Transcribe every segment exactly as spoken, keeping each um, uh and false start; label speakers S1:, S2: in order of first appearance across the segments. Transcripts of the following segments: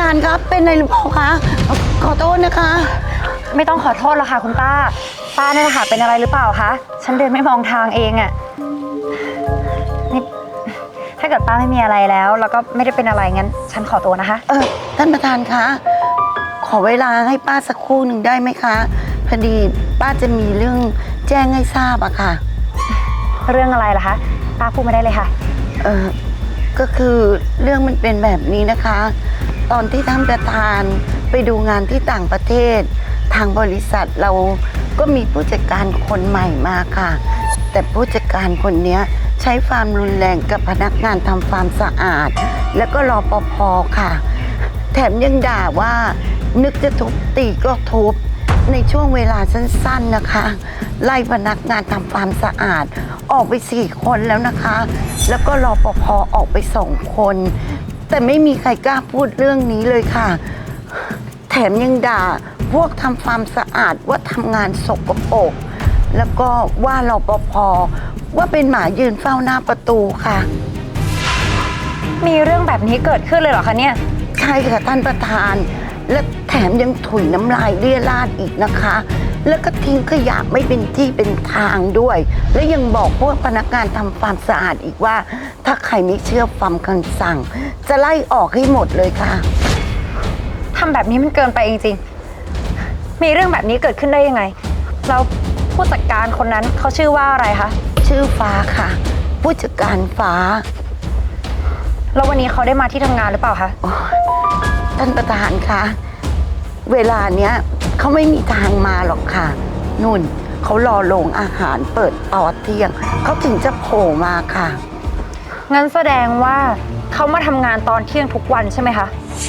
S1: านครับเป็นอะไรหรือเปล่าคะขอโทษนะคะ
S2: ไม่ต้องขอโทษหรอกค่ะคุณป้าป้าเนี่ยนะคะเป็นอะไรหรือเปล่าคะฉันเดินไม่มองทางเองอะนี่ถ้าเกิดป้าไม่มีอะไรแล้วแล้วก็ไม่ได้เป็นอะไรงั้นฉันขอตัวนะคะ
S1: เออท่านประธานคะขอเวลาให้ป้าสักครู่หนึ่งได้ไหมคะพอดีป้าจะมีเรื่องแจ้งให้ทราบอะค่ะ
S2: เรื่องอะไรล่ะคะป้าพูดมาได้เลยค่ะ
S1: เออก็คือเรื่องมันเป็นแบบนี้นะคะตอนที่ท่านประธานไปดูงานที่ต่างประเทศทางบริษัทเราก็มีผู้จัดการคนใหม่มาค่ะแต่ผู้จัดการคนนี้ใช้ความรุนแรงกับพนักงานทำความสะอาดแล้วก็รปภ.ค่ะแถมยังด่าว่านึกจะทุบตีก็ทุบในช่วงเวลาสั้นๆนะคะไล่พนักงานทำความสะอาดออกไปสี่คนแล้วนะคะแล้วก็รปภ.ออกไปสองคนแต่ไม่มีใครกล้าพูดเรื่องนี้เลยค่ะแถมยังด่าพวกทำความสะอาดว่าทำงานสกปรกแล้วก็ว่ารปภ.ว่าเป็นหมายืนเฝ้าหน้าประตูค่ะ
S2: มีเรื่องแบบนี้เกิดขึ้นเลยเหรอคะเนี่ย
S1: ใช่ค่ะท่านประธานและแถมยังถุยน้ำลายเลี่ยราดอีกนะคะแล้วก็ทิ้งขยะไม่เป็นที่เป็นทางด้วยและยังบอกพวกพนักงานทำความสะอาดอีกว่าถ้าใครไม่เชื่อฟังคำสั่งจะไล่ออกให้หมดเลยค่ะ
S2: ทำแบบนี้มันเกินไปจริงๆมีเรื่องแบบนี้เกิดขึ้นได้ยังไงแล้วผู้จัดการคนนั้นเขาชื่อว่าอะไรคะ
S1: ชื่อฟ้าค่ะผู้จัดการฟ้า
S2: แล้ววันนี้เขาได้มาที่ทำงานหรือเปล่าคะ
S1: ท่านประธานคะเวลาเนี้ยเขาไม่มีทางมาหรอกค่ะนุ่นเขารอโรงอาหารเปิดตอนเที่ยงเขาถึงจะโผล่มาค่ะ
S2: งั้นแสดงว่าเขามาทำงานตอนเที่ยงทุกวันใช่ไหมคะ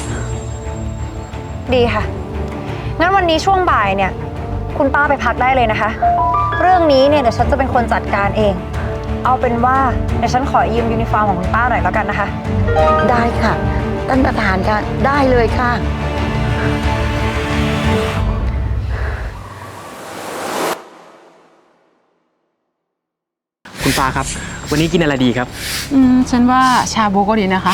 S2: ดีค่ะงั้นวันนี้ช่วงบ่ายเนี่ยคุณป้าไปพักได้เลยนะคะเรื่องนี้เนี่ยเดี๋ยวฉันจะเป็นคนจัดการเองเอาเป็นว่าเดี๋ยวฉันขอยืมยูนิฟอร์มของคุณป้าหน่อยแล้วกันนะคะ
S1: ได้ค่ะท่านประธานค่ะได้เลยค่ะ
S3: คุณฟ้าครับวันนี้กินอะไรดีครับ
S4: อืมฉันว่าชาบูก็ดีนะคะ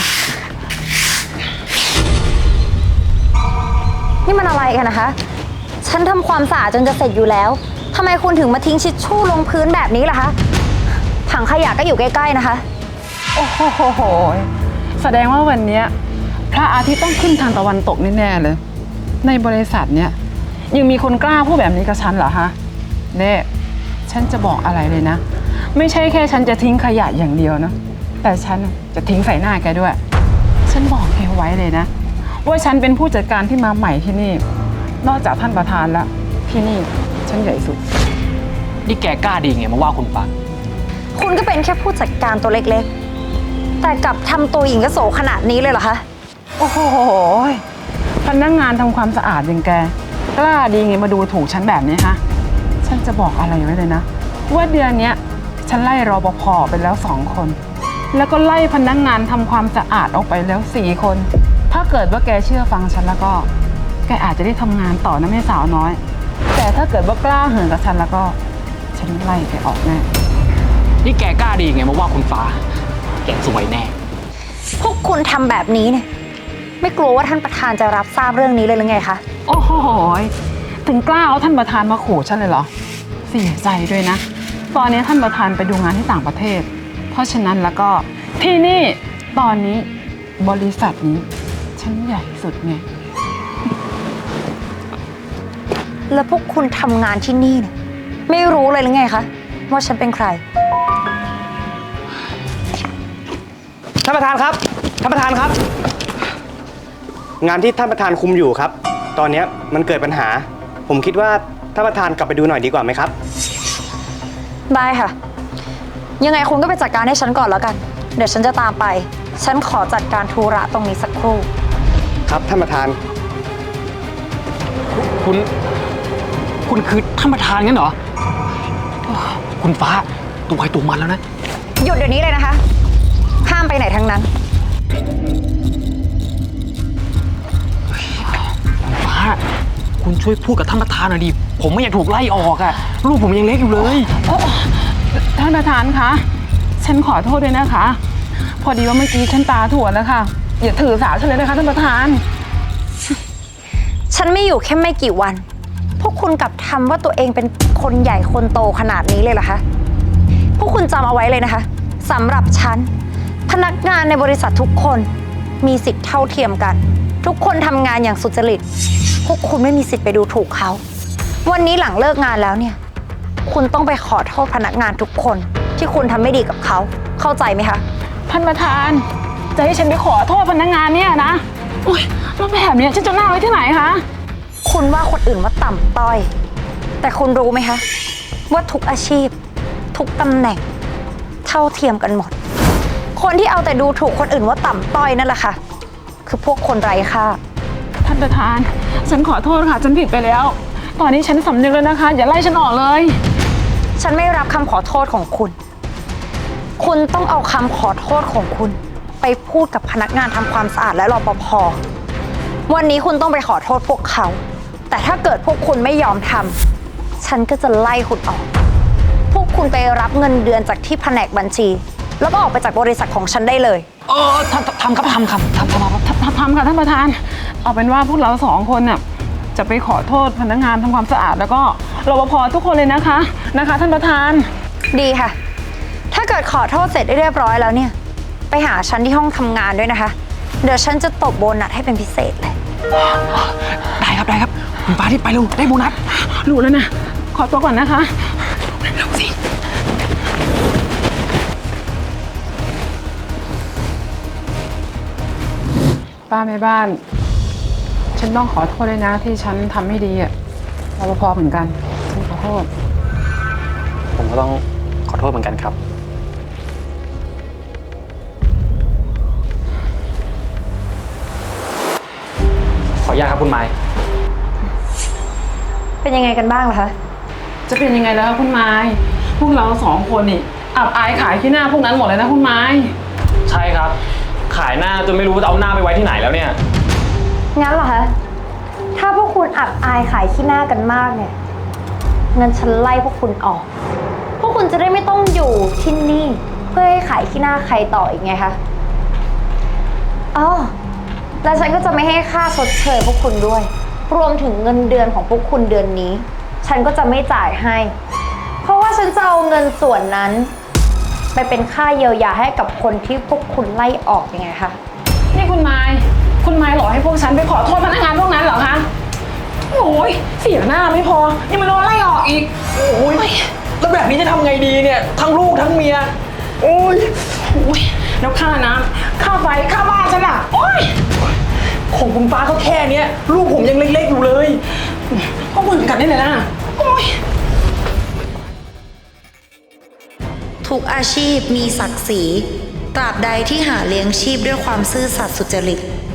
S2: นี่มันอะไรกันนะคะฉันทำความสะอาดจนจะเสร็จอยู่แล้วทำไมคุณถึงมาทิ้งชิชชู่ลงพื้นแบบนี้ล่ะคะถังขยะก็อยู่ใกล้ๆนะคะ
S4: โอ้โหแสดงว่าวันนี้พระอาทิตย์ต้องขึ้นทางตะวันตกแน่ๆเลยในบริษัทเนี้ยยังมีคนกล้าพูดแบบนี้กับฉันเหรอฮะเน่ฉันจะบอกอะไรเลยนะไม่ใช่แค่ฉันจะทิ้งขยะอย่างเดียวนะแต่ฉันจะทิ้งใส่หน้าแกด้วยฉันบอกแกไว้เลยนะว่าฉันเป็นผู้จัดการที่มาใหม่ที่นี่นอกจากท่านประธานแล้วที่นี่ฉันใหญ่สุด
S3: นี่แกกล้าดีไงมาว่าคุณฟ้า
S2: คุณก็เป็นแค่ผู้จัดการตัวเล็กๆแต่กลับทำตัวหญิงกระโสขนาดนี้เลยเหรอคะ
S4: โอ้โหพนักงานทำความสะอาดอย่างแกกล้าดีไงมาดูถูกฉันแบบนี้ฮะฉันจะบอกอะไรไว้เลยนะว่าเดือนนี้ฉันไล่รปภ.ไปแล้วสองคนแล้วก็ไล่พนักงานทำความสะอาดออกไปแล้วสี่คนถ้าเกิดว่าแกเชื่อฟังฉันแล้วก็แกอาจจะได้ทำงานต่อนะแม่สาวน้อยแต่ถ้าเกิดว่ากล้าเหินกับฉันแล้วก็ฉันไล่แกออกแน่
S3: นี่แกกล้าดีไงมาว่าคุณฟ้าแกสวยแน่
S2: พวกคุณทำแบบนี้เนี่ยไม่กลัวว่าท่านประธานจะรับทราบเรื่องนี้เลยหรือไงคะ
S4: โอ้โหถึงกล้าเอาท่านประธานมาขู่ฉันเลยเหรอเสียใจด้วยนะตอนนี้ท่านประธานไปดูงานที่ต่างประเทศเพราะฉะนั้นแล้วก็ที่นี่ตอนนี้บริษัทนี้ฉันใหญ่สุดไง
S2: แล้วพวกคุณทำงานที่นี่เนี่ยไม่รู้เลยหรือไงคะว่าฉันเป็นใคร
S5: ท่านประธานครับท่านประธานครับงานที่ท่านประธานคุมอยู่ครับตอนนี้มันเกิดปัญหาผมคิดว่าท่านประธานกลับไปดูหน่อยดีกว่าไหมครับ
S2: ได้ค่ะยังไงคุณก็ไปจัดการให้ฉันก่อนแล้วกันเดี๋ยวฉันจะตามไปฉันขอจัดการธุระตรงนี้สักครู่
S5: ครับท่านประธาน
S3: คุณคุณคือท่านประธานงั้นเหรอคุณฟ้าตัวใครตัวมันแล้วนะ
S2: หยุดเดี๋ยวนี้เลยนะคะห้ามไปไหนทั้งนั้น
S3: คุณฟ้าคุณช่วยพูดกับท่านประธานหน่อยดิผมไม่อยากถูกไล่ออกอะลูกผมยังเล็กอยู่เลย
S4: ท่านประธานคะฉันขอโทษด้วยนะคะพอดีว่าเมื่อกี้ฉันตาถั่วแล้วค่ะอย่าถือสาฉันเลยนะคะท่านประธาน
S2: ฉันไม่อยู่แค่ไม่กี่วัน พวกคุณกลับทำว่าตัวเองเป็นคนใหญ่คนโตขนาดนี้เลยเหรอคะ พวกคุณจำเอาไว้เลยนะคะสำหรับฉันพนักงานในบริษัททุกคนมีสิทธิ์เท่าเทียมกัน ทุกคนทำงานอย่างสุจริต พวกคุณไม่มีสิทธิ์ไปดูถูกเขา วันนี้หลังเลิกงานแล้วเนี่ย คุณต้องไปขอโทษพนักงานทุกคนที่คุณทำไม่ดีกับเขา เข้าใจไหมคะ
S4: ท่านประธานจะให้ฉันไปขอโทษพนักงานเนี่ยนะโอ๊ยแล้วแบบเนี้ยฉันจะหน้าไว้ที่ไหนคะ
S2: คุณว่าคนอื่นว่าต่ำต้อย แต่คุณรู้ไหมคะ ว่าทุกอาชีพ ทุกตำแหน่ง เท่าเทียมกันหมด คนที่เอาแต่ดูถูกคนอื่นว่าต่ำต้อยนั่นแหละค่ะ คือพวกคนไร้ค่า
S4: ท่านประธานฉันขอโทษค่ะฉันผิดไปแล้ว ตอนนี้ฉันสำนึกแล้วนะคะ อย่าไล่ฉันออกเลย
S2: ฉันไม่รับคำขอโทษของคุณ คุณต้องเอาคำขอโทษของคุณ ไปพูดกับพนักงานทำความสะอาดและรปภ วันนี้คุณต้องไปขอโทษพวกเขา แต่ถ้าเกิดพวกคุณไม่ยอมทำ ฉันก็จะไล่คุณออก พวกคุณไปรับเงินเดือนจากที่แผนกบัญชี แล้วก็ออกไปจากบริษัทของฉันได้เลย
S3: เออทำทำครับทำครับทำทำครับ
S4: ทำทำค่ะท่านประธาน เอาเป็นว่าพวกเราสองคนน่ะจะไปขอโทษพนักงานทำความสะอาดแล้วก็รปภทุกคนเลยนะคะนะคะ ท่านประธาน
S2: ดีค่ะ ถ้าเกิดขอโทษเสร็จเรียบร้อยแล้วเนี่ย ไปหาฉันที่ห้องทำงานด้วยนะคะ เดี๋ยวฉันจะตบโบนัสให้เป็นพิเศษเลย
S3: ได้ครับได้ครับคุณฟ้าที่ไปเร็วได้โบนัส
S4: รู้แล้วนะ ขอตัวก่อนนะคะ
S3: เร็วสิ
S4: ป้าแม่บ้าน ฉันต้องขอโทษเลยนะที่ฉันทำไม่ดีอะรปภเหมือนกัน ฉันขอโทษ
S3: ผมก็ต้องขอโทษเหมือนกันครับ ขออนุญาตครับคุณไม้
S2: เป็นยังไงกันบ้างล่ะคะ
S4: จะเป็นยังไงแล้วคุณไม้พวกเราสองคนนี่อับอายขายขี้หน้าพวกนั้นหมดเลยนะคุณไม้
S3: ใช่ครับ ขายหน้าจนไม่รู้จะเอาหน้าไปไว้ที่ไหนแล้วเนี่ย
S2: งั้นเหรอคะ ถ้าพวกคุณอับอายขายขี้หน้ากันมากเนี่ย งั้นฉันไล่พวกคุณออก พวกคุณจะได้ไม่ต้องอยู่ที่นี่ เพื่อให้ขายขี้หน้าใครต่ออีกไงคะ อ๋อ แล้วฉันก็จะไม่ให้ค่าชดเชยพวกคุณด้วย รวมถึงเงินเดือนของพวกคุณเดือนนี้ ฉันก็จะไม่จ่ายให้ เพราะว่าฉันจะเอาเงินส่วนนั้น ไปเป็นค่าเยียวยาให้กับคนที่พวกคุณไล่ออกยังไงคะ
S4: นี่คุณไม้คุณไม้หลอกให้พวกฉันไปขอโทษพนักงานพวกนั้นเหรอคะ โอ้ยเสียหน้าไม่พอ ยังมาโดนไล่ออกอีก
S3: โอ้ยแล้วแบบนี้จะทำไงดีเนี่ยทั้งลูกทั้งเมียโอ้ย
S4: โอ้ยแล้วค่าน้ำค่าไฟค่าบ้านฉันอะโอ้ย
S3: ของคุณฟ้าเขาแค่เนี้ยลูกผมยังเล็กๆอยู่เลย
S4: ก็เหมือนกันนี่แหละนะโอ้ย
S6: ทุกอาชีพมีศักดิ์ศรี ตราบใดที่หาเลี้ยงชีพด้วยความซื่อสัตย์สุจริต